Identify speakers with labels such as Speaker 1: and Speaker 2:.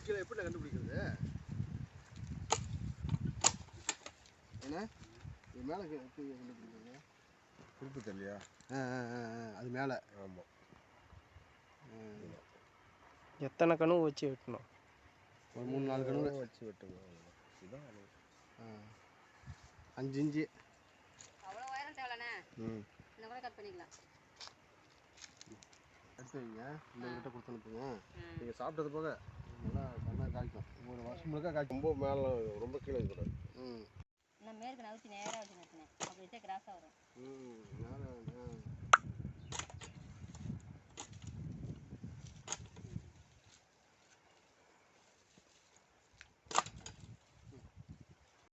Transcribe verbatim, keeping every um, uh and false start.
Speaker 1: கீழே எப்படி கண்டுபிடிக்கிறது? என்ன இது மேலே கண்டுபிடிக்கிறது?
Speaker 2: குறிப்பு தெரியலையா?
Speaker 1: ஆ ஆ ஆ அது மேலே.
Speaker 2: ஆமாம்.
Speaker 3: எத்தனை கனவு வச்சு வெட்டணும்?
Speaker 1: ஒரு மூணு நாலு கனவு
Speaker 2: வச்சு வெட்டுங்க. இதுதான்
Speaker 1: ஆ அஞ்சு இன்ச்சு.
Speaker 4: அவ்வளோ உயரம் தேவைண்ணே.
Speaker 1: ம்
Speaker 4: இந்த கூட கட் பண்ணிக்கலாம்.
Speaker 1: எடுத்து வைங்க. இந்த கிட்ட கொடுத்து அனுப்புங்க. நீங்கள் சாப்பிட்டது போக நல்லா நல்லா காய்க்கும். ஒரு வருஷம் முழுக்க காய்க்கும்.
Speaker 2: ரொம்ப மேலே ரொம்ப கீழே இருக்கக்கூடாது.
Speaker 1: ம்
Speaker 4: நான் மேற்கு நவுத்தி நேராக வச்சு நட்டுனேன். அப்படி வச்சா கிராஸாக வரும்.
Speaker 1: ம் நேரம்